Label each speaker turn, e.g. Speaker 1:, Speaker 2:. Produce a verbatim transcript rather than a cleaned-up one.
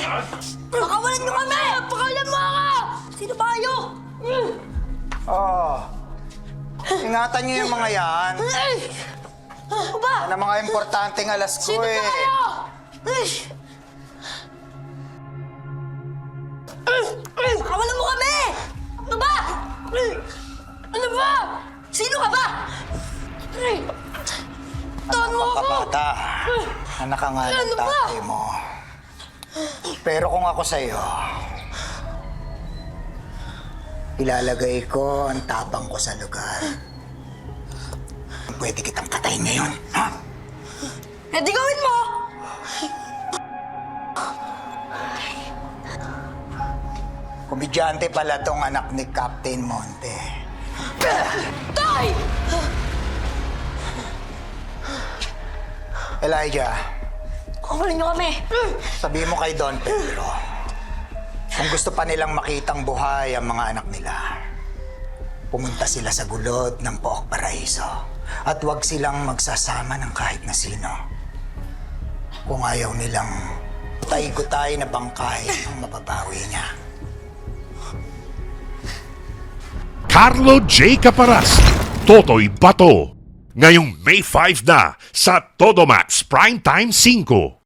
Speaker 1: Pakawalan nyo kami! Pakawalan mo ako! Sino ba kayo?
Speaker 2: Oh. Ingatan niyo yung mga yan.
Speaker 1: Ano ba?
Speaker 2: Yan ang mga importanteng alas ko
Speaker 1: Sino ba
Speaker 2: eh.
Speaker 1: kayo? Pakawalan mo kami! Ano ba? Ano ba? Sino ka ba? Tawan mo ako!
Speaker 2: Kabata, anak ka nga ng
Speaker 1: Ano ba?
Speaker 2: tatay mo. Pero kung ako sa'yo, ilalagay ko ang tapang ko sa lugar. Pwede kitang katayin ngayon, ha?
Speaker 1: Eh di gawin mo!
Speaker 2: Komedyante pala tong anak ni Captain Monte.
Speaker 1: Tay!
Speaker 2: Elijah,
Speaker 1: Pakawalan nyo kami!
Speaker 2: sabihin mo kay Don Pedro, kung gusto pa nilang makitang buhay ang mga anak nila, pumunta sila sa gulod ng Pook Paraiso at huwag silang magsasama ng kahit na sino. Kung ayaw nilang tay-gutay na bangkay ang mababawi niya.
Speaker 3: Carlo J. Caparas, Totoy Bato. Ngayong May five na sa Todomax Primetime five.